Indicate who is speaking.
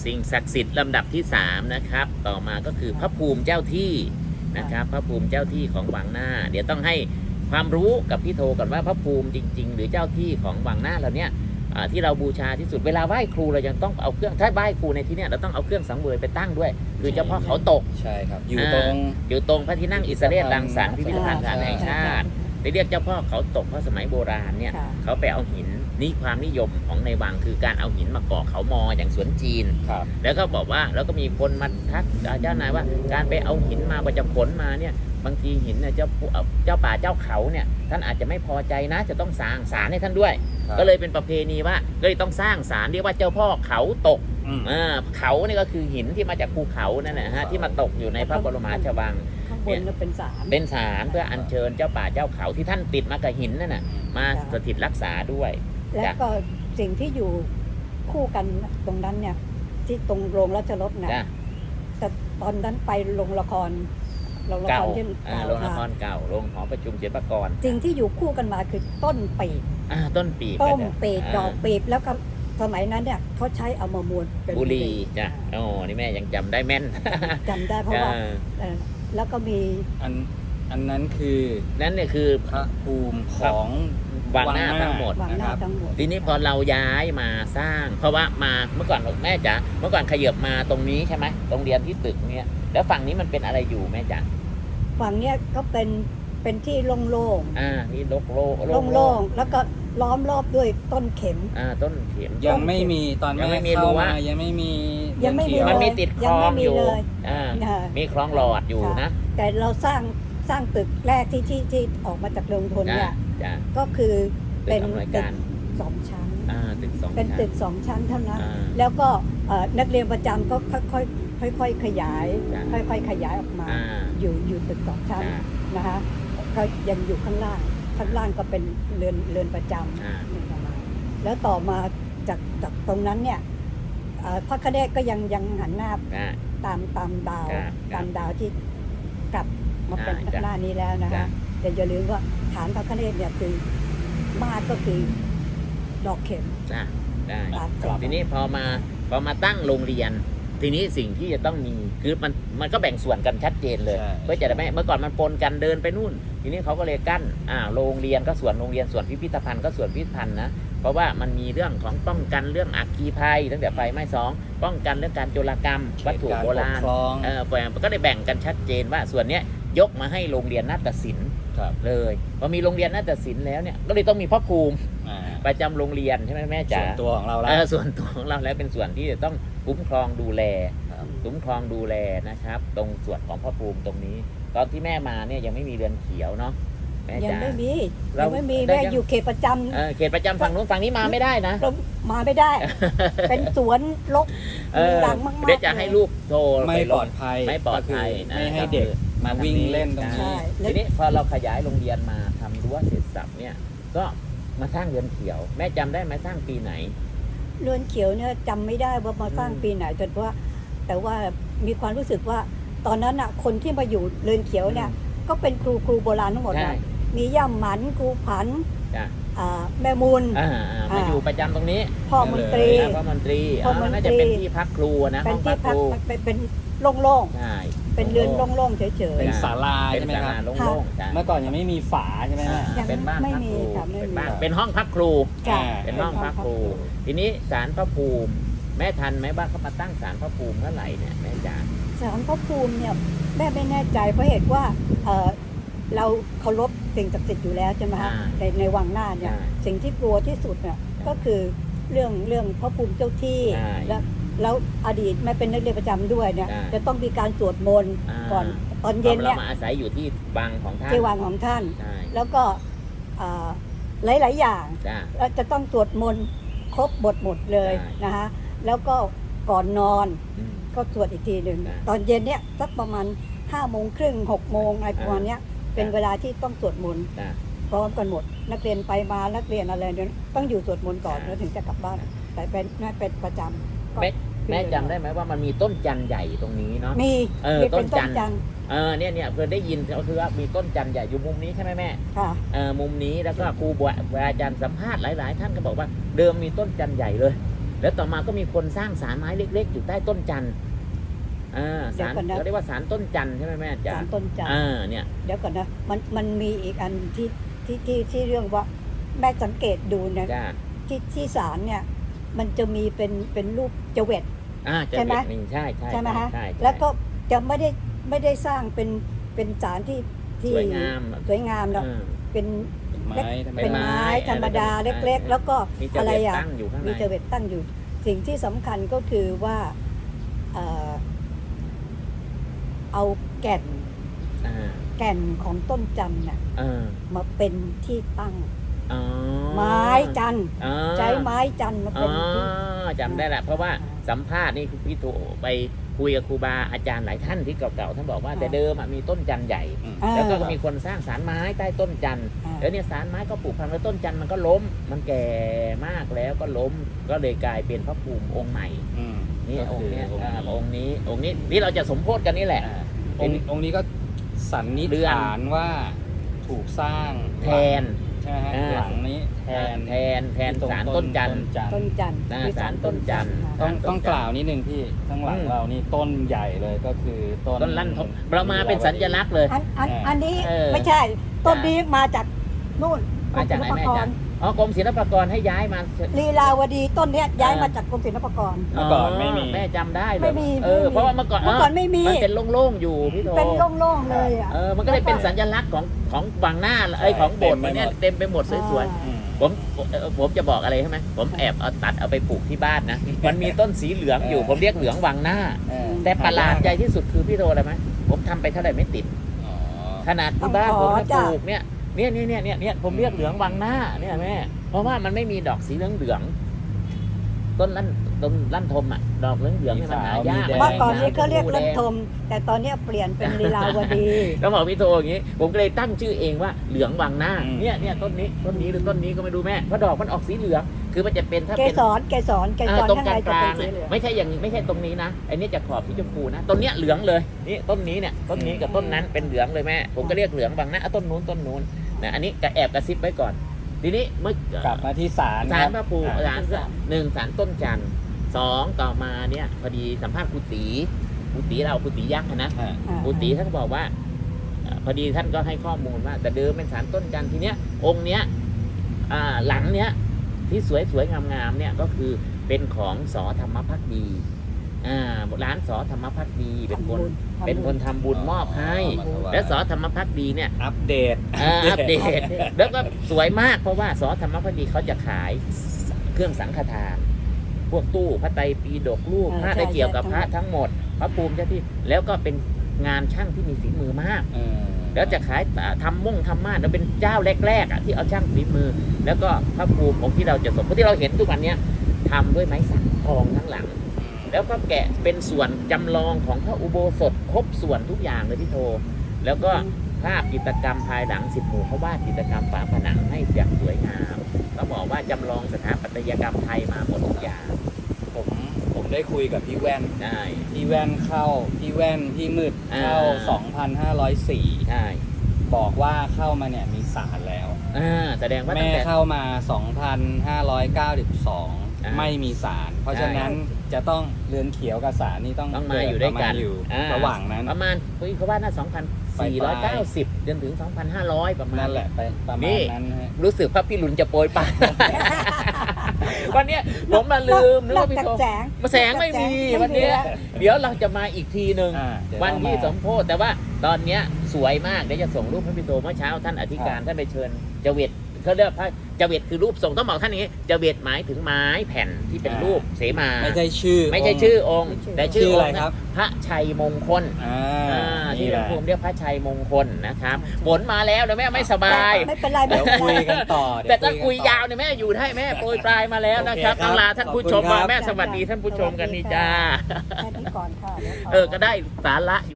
Speaker 1: สิ่งศักดิ์สิทธิ์ลำดับที่3นะครับต่อมาก็คือพระภูมิเจ้าที่นะครับพระภูมิเจ้าที่ของวังหน้าเดี๋ยวต้องให้ความรู้กับพี่โทก่อนว่าพระภูมิจริงๆหรือเจ้าที่ของวังหน้าเราเนี่ยที่เราบูชาที่สุดเวลาไหว้ครูเรายังต้องเอาเครื่องถ้าไหว้ครูในที่นี้เราต้องเอาเครื่องสังเวยไปตั้งด้วยคือเจ้าพ่อเขาตก
Speaker 2: ใช่ครับอยู่ตรง
Speaker 1: พระที่นั่งอิสระเรศรังสรรค์พิพิธภัณฑ์สถานแห่งชาติได้เรียกเจ้าพ่อเขาตกเพราะสมัยโบราณเนี่ยเขาไปเอาหินนี่ความนิยมของในวังคือการเอาหินมาก่อเขามออย่างสวนจีนแล้วก็บอกว่าแล้วก็มีคนมาทักเจ้านายว่าการไปเอาหินมาประจะผลมาเนี่ยบางทีหินเนี่ยเจ้าป่าเจ้าเขาเนี่ยท่านอาจจะไม่พอใจนะจะต้องสร้างศาลให้ท่านด้วยก็เลยเป็นประเพณีว่าก็เลยต้องสร้างศาลเรียกว่าเจ้าพ่อเขาตกเขานี่ก็คือหินที่มาจากภูเขานั่นแหละฮะที่มาตกอยู่ในพระบรมราชวัง
Speaker 3: ข้างบนก็เป็นศาล
Speaker 1: เพื่ออัญเชิญเจ้าป่าเจ้าเขาที่ท่านติดมากับหินนั่นน่ะมาสถิตรักษาด้วย
Speaker 3: แล้วก็สิ่งที่อยู่คู่กันตรงนั้นเนี่ยที่ตรงโรงราชรถนะแต่ตอนนั้นไปโรงละคร
Speaker 1: เก่าโรงละครเก่าโรงหอประชุมศิลปากร
Speaker 3: สิ่งที่อยู่คู่กันมาคือต้นปีบ
Speaker 1: ต้นปีบ
Speaker 3: ดอกปีบแล้วก็สมัยนั้นเนี่ยเขาใช้เอามามวนเป็น
Speaker 1: บุรีจ้ะโอ้นี่แม่ยังจำได้แม่น
Speaker 3: จำได้เพราะว่าแล้วก็มี
Speaker 2: อันนั้นคือ
Speaker 1: นั่นเนี่ยคือ
Speaker 2: พระภูมิของ
Speaker 1: วังหน้าทั้งหมดนะครับทีนี้พอเราย้ายมาสร้างเพราะว่ามาเมื่อก่อนแม่จ๋าเมื่อก่อนขยับมาตรงนี้ใช่ไหมตรงเรียนที่ตึกเนี่ยแล้วฝั่งนี้มันเป็นอะไรอยู่แม่จ๋า
Speaker 3: ฝั่งเนี้ยก็เป็นที่โล่ง
Speaker 1: ๆนี่โ
Speaker 3: ล่งแล้วก็ล้อมรอบด้วยต้นเข็ม
Speaker 1: ต้นเข็ม
Speaker 2: ยังไม่มีตอนแม่เข้ามายังไม่มี
Speaker 1: มันมีติดคลองอยู่มีคลองหลอดอยู่นะ
Speaker 3: แต่เราสร้างตึกแรกที่ออกมาจากโรงทนเนี่ยก็คือเป็นตึก2 ชั้นเป็นตึก2 ชั้นเท่านั้นแล้วก็นักเรียนประจำก็ค่อยๆขยายขยายออกมาอยู่ตึก2 ชั้นนะคะก็ยังอยู่ข้างล่างก็เป็นเรือนประจำแล้วต่อมาจากตรงนั้นเนี่ยพระคเนศก็ยังหันหน้าตามดาวที่กลับมาเป็นหน้านี้แล้วนะคะแต่อย่าลืมว่าฐานพระคเนศเนี่ยคือมาก็คือดอกเข็ม
Speaker 1: ได้ทีนี้พอมาตั้งโรงเรียนทีนี้สิ่งที่จะต้องมีคือมันก็แบ่งส่วนกันชัดเจนเลยเพื่อจะได้ไม่เมื่อก่อนมันปนกันเดินไปนู่นทีนี้เขาก็เลยกั้นโรงเรียนก็ส่วนโรงเรียนส่วนพิพิธภัณฑ์ก็ส่วนพิพิธภัณฑ์นะเพราะว่ามันมีเรื่องของป้องกันเรื่องอัคคีภัยตั้งแต่ไฟไหม้ป้องกันเรื่องการโจรกรรมวัตถุโบราณก็ได้แบ่งกันชัดเจนว่าส่วนเนี้ยยกมาให้โรงเรียนนาฏศิลป์เลยพอมีโรงเรียนนาฏศิลป์แล้วเนี่ยก็เลยต้องมีพระภูมิประจำโรงเรียนใช่ไหมแม่จ๋า
Speaker 2: ส่วนตัวของเราแล้ว
Speaker 1: ส่วนตัวของเราแล้วเป็นส่วนที่จะต้องคุ้มครองดูแลนะครับตรงส่วนของพระภูมิตรงนี้ตอนที่แม่มาเนี่ยยังไม่มีเรือนเขียวเนาะแม่จ๋า
Speaker 3: ยังไม่มีแม่อยู่เขตประจำ
Speaker 1: เขตประจำฝั่งนู้นฝั่งนี้มาไม่ได้นะ
Speaker 3: มาไม่ได้เป็นสวนรกหลังมากๆ
Speaker 1: เดี๋ยวจะให้ลูกโทร
Speaker 2: ไม่ปลอดภัย
Speaker 1: ไม่
Speaker 2: ให้เด็กมาวิ่งเล่นตรงนี้
Speaker 1: ทีนี้พอเราขยายโรงเรียนมาทำรั้วเสร็จสับเนี่ยก็มาสร้างเรือนเขียวแม่จำได้ไหมสร้างปีไหน
Speaker 3: เรือนเขียวเนี่ยจำไม่ได้ว่ามาสร้างปีไหนแต่ว่ามีความรู้สึกว่าตอนนั้นคนที่มาอยู่เรือนเขียวเนี่ยก็เป็นครูโบราณทั้งหมดเลยมีย่ำหมันครูผันแม่มูล
Speaker 1: มาอยู่ประจำตรงนี้
Speaker 3: พ่อมนตรี
Speaker 1: น่าจะเป็นที่พักครูนะ
Speaker 3: เป็นที่พักเป็นโล่งๆเป็นเรือนโล่งๆเฉยๆ
Speaker 2: เป็นศาลาใช่ไหมครับเมื่อก่อนยังไม่มีฝาใช่ไหม
Speaker 1: เป็นบ้านพักครูเป็นห้องพักครูเป็นห้องพักครูทีนี้ศาลพระภูมิแม่ทันไหมว่าเขามาตั้งศาลพระภูมิเมื่อไหร่เนี่ยแม่จ๋า
Speaker 3: ศาลพระภูมิเนี่ยแม่ไม่แน่ใจเพราะเหตุว่าเราเคารพสิ่งศักดิ์สิทธิ์อยู่แล้วใช่ไหมคะในวังหน้าเนี่ยสิ่งที่กลัวที่สุดเนี่ยก็คือเรื่องพระภูมิเจ้าที่แล้วอดีตแม่เป็นนักเรียนประจำด้วยเนี่ยจะต้องมีการสวดมนต์ก่อนตอนเย็นเนี่ย
Speaker 1: เรามาอาศัยอยู่ที่วังของท่าน
Speaker 3: ที่วังของท่านแล้วก็หลายอย่างเราจะต้องสวดมนต์ครบบทหมดเลยนะคะแล้วก็ก่อนนอนก็สวดอีกทีหนึ่งตอนเย็นเนี่ยสักประมาณ5:30 6 โมงอะไรประมาณนี้เป็นเวลาที่ต้องสวดมนต์พร้อมกันหมดนักเรียนไปมานักเรียนอะไรเนี่ยต้องอยู่สวดมนต์ก่อนแล้วถึงจะกลับบ้านแต่เป็นประจำ
Speaker 1: แม่จำได้ไหมว่ามันมีต้นจันใหญ่ตรงนี้เนาะ
Speaker 3: มี
Speaker 1: ต้นจันเนี่ยเพื่อได้ยินก็คือว่ามีต้นจันใหญ่อยู่มุมนี้ใช่ไหมแม่
Speaker 3: ค่ะ
Speaker 1: มุมนี้แล้วก็ครูบาอาจารย์สัมภาษณ์หลายๆท่านก็บอกว่าเดิมมีต้นจันใหญ่เลยแล้วต่อมาก็มีคนสร้างศาลไม้เล็กๆอยู่ใต้ต้นจันทร์ศาลเขาเรียกว่าศาลต้นจันทร์ใช่ไหมแม่จ๋า
Speaker 3: ศาลต้นจันทร์
Speaker 1: เนี่ย
Speaker 3: เดี๋ยวก่อนนะมันมีอีกอันที่เรื่องว่าแม่สังเกตดูนะ
Speaker 1: จ้า
Speaker 3: ที่ศาลเนี่ยมันจะมีเป็นรูปเจเวต
Speaker 1: จะ
Speaker 3: ใช่ไหม
Speaker 1: เป็นใช่
Speaker 3: ใช่ไหมฮะ
Speaker 1: ใช่
Speaker 3: แล้วก็จะไม่ได้สร้างเป็นศาลที่
Speaker 1: สวยงาม
Speaker 3: สวยงามเนาะเป็น
Speaker 2: เป็นไม้ธรรม
Speaker 3: เป็น
Speaker 2: ดา
Speaker 3: ไม้ธรรมดาเล็กๆ แล้วก็
Speaker 1: มีเจ
Speaker 3: อะไร
Speaker 1: เวต
Speaker 3: อ่ะ
Speaker 1: ตั้งอยู่ข้างใน
Speaker 3: มีเจเวตตั้งอยู่ สิ่งที่สำคัญก็คือว่าเอาแก่นของต้นจันทร์น่ะมาเป็นที่ตั้งไม้จันทร์ใช้ไม้จันทร์มาเป็นที่
Speaker 1: จำได้แหละเพราะว่าสัมภาษณ์นี่พี่โทไปคุยกับครูบาอาจารย์หลายท่านที่เก่าๆท่านบอกว่าแต่เดิมมีต้นจันทร์ใหญ่ แล้วก็มีคนสร้างศาลไม้ใต้ต้นจันทร์แล้วเนี่ยศาลไม้ก็ปลูกพังแล้วต้นจันทร์มันก็ล้มมันแก่มากแล้วก็ล้มก็เลยกลายเป็นพระภูมิองค์ใหม่นี่องค์นี้องค์นี้ที่เราจะสมโภชกันนี่แหละ
Speaker 2: องค์นี้ก็สันนิษฐานว่าถูกสร้าง
Speaker 1: แทน
Speaker 2: ใช่ไหมฮะหลังนี้แทน
Speaker 1: ศาลต้นจันทร์
Speaker 3: ต้นจันทร์
Speaker 1: ศาลต้นจันทร์
Speaker 2: ต้องกล่าวนิดนึงพี่ข้างหลังเรานี่ต้นใหญ่เลยก็คือต้น
Speaker 1: ลั่นทมเรามาเป็นสัญลักษณ์เลย
Speaker 3: อันนี้ไม่ใช่ต้นนี้มาจากนู่น
Speaker 1: มาจากไหนแม่จ๊ะกรมศิลปากรให้ย้ายมา
Speaker 3: ลีลาวดีต้นเนี้ยย้ายมาจากกรมศิลปากร
Speaker 2: เมื่อก่อนไม่มี
Speaker 1: แม่จำได้เลย
Speaker 3: ไม่มี
Speaker 1: เพราะว่าเมื่อก่อน
Speaker 3: ไม่มี
Speaker 1: มันเป็นโล่งๆอยู่พี่โท
Speaker 3: เป็นโล่งๆเลยอ่ะ
Speaker 1: มันก็เลยเป็นสัญลักษณ์ของวังหน้าของโบสถ์มันเนี่ยเต็มไปหมดสวยๆผมจะบอกอะไรใช่ไหมผมแอบเอาตัดเอาไปปลูกที่บ้านนะมันมีต้นสีเหลืองอยู่ผมเรียกเหลืองวังหน้าแต่ประหลาดใจที่สุดคือพี่โทอะไรไหมผมทำไปเท่าไหร่ไม่ติดขนาดที่บ้านผมปลูกเนี่ยผมเรียกเหลืองวังหน้าเนี่ยแม่เพราะว่ามันไม่มีดอกสีเหลืองต้นลั่นทมดอกเหลืองนี่มันหายาก
Speaker 3: เมื่อก่อนนี้เขาเรียกลั่นทมแต่ตอนนี้เปลี่ยนเป็นลีลาวดี
Speaker 1: แล้วบอกพี่โทอย่างนี้ผมก็เลยตั้งชื่อเองว่าเหลืองวังหน้าเนี่ยต้นนี้หรือต้นนี้ก็ไม่รู้แม่เพราะดอกมันออกสีเหลืองคือมันจะเป็นถ้า
Speaker 3: เก
Speaker 1: เป็น
Speaker 3: สร
Speaker 1: ตรง
Speaker 3: ข้าง
Speaker 1: ก
Speaker 3: ใน
Speaker 1: ลาง
Speaker 3: จะเป็นสีเหลือง
Speaker 1: ไม่ใช่อย่างนี้ไม่ใช่ตรงนี้นะไอ้นี่จะขอบที่ชมพูนะต้นเนี้ยเหลืองเลยนี่ต้นนี้เนี่ยต้นนี้กับต้นนั้นเป็นเหลืองเลยแม่ผมก็เรียกเหลืองวังหน้าต้นนู้นนะอันนี้แอบกระซิบไว้ก่อนทีนี้เมื่อก
Speaker 2: ลับมาที่ศาล
Speaker 1: ศาลพระภูมิศาล1ศาลต้นจันทร์2ต่อมาเนี่ยพอดีสัมภาษณ์ครูตีเราครูตียักษ์นะครูตีท่านก็บอกว่าพอดีท่านก็ให้ข้อมูลว่าแต่เดิมเป็นศาลต้นจันทร์ทีเนี้ยองค์เนี้ยหลังเนี้ยที่สวยงามๆเนี่ยก็คือเป็นของสอธรรมภักดีร้านสอธรรมภักดีเป็นคนทำบุญมอบให้และสอธรรมภักดีเนี่ย
Speaker 2: อัปเดต
Speaker 1: แล้วก็สวยมากเพราะว่าสอธรรมภักดีเขาจะขายเครื่องสังฆทานพวกตู้พระไตรปิฎกรูปพระได้เกี่ยวกับพระทั้งหมดพระภูมิเจ้าที่แล้วก็เป็นงานช่างที่มีฝีมือมากแล้วจะขายทำม่านแล้วเป็นเจ้าแรกๆที่เอาช่างฝีมือแล้วก็พระภูมิองค์ที่เราจะสมที่เราเห็นทุกวันนี้ทำด้วยไม้สักทองทั้งหลังแล้วก็แกะเป็นส่วนจำลองของพระอุโบสถครบส่วนทุกอย่างเลยพี่โทแล้วก็ภาพจิตรกรรมภายหลัง10 หมู่เขาวาดจิตรกรรมฝาผนังให้อย่างสวยงามเขาบอกว่าจำลองสถาปัตยกรรมไทยมาหมดทุกอย่าง
Speaker 2: ผมได้คุยกับพี่แว่น พี่แว่นพี่มืดเข้า 2,504
Speaker 1: ใช่
Speaker 2: บอกว่าเข้ามาเนี่ยมีศาลแล้ว
Speaker 1: แสดงว่า
Speaker 2: แม่เข้ามา 2,592 ไม่มีศาลเพราะฉะนั้นจะต้องเรือนเขียวกับศาลนี่ต้อง
Speaker 1: มาอยู่ด้วยกัน
Speaker 2: อยู่ระหว่างนั้น
Speaker 1: ประมาณเขาว่าน่า2,490จนถึง 2,500 ประมาณ
Speaker 2: นั่นแหละไปประมาณนั้น
Speaker 1: รู้สึกพระพี่หลุนจะโปรยปานวันนี้ผมมาลืมนึกว่าพี่โทแสงไม่มีวันนี้เดี๋ยวเราจะมาอีกทีหนึ่งวันที่สมโภชแต่ว่าตอนนี้สวยมากเดี๋ยวจะส่งรูปให้พี่โทเมื่อเช้าท่านอธิการท่านไปเชิญเจเวตเขาเรียกพระเจเวตคือรูปทรงต้องบอกท่านอย่างนี้เจเวตหมายถึงไม้แผ่นที่เป็นรูปเสมา
Speaker 2: ไม่ใช่ชื่อ
Speaker 1: องค์แต่ชื่ออะไรครับพระชัยมงคลที่หลวงปู่เรียกพระชัยมงคลนะครับฝนมาแล้วเดี๋ยวแม่ไม่สบาย
Speaker 3: ไม่เป็นไร
Speaker 2: เดี๋ยวคุยกันต่อ
Speaker 1: แต่ถ้าคุยยาวเนี่ยแม่อยู่ได้แม่โปรยปลายมาแล้วนะครับต้องลาท่านผู้ชมมาแม่สวัสดีท่านผู้ชมกันนี่จ้า
Speaker 3: แค่นี้ก่อนค่ะ
Speaker 1: ก็ได้สาระ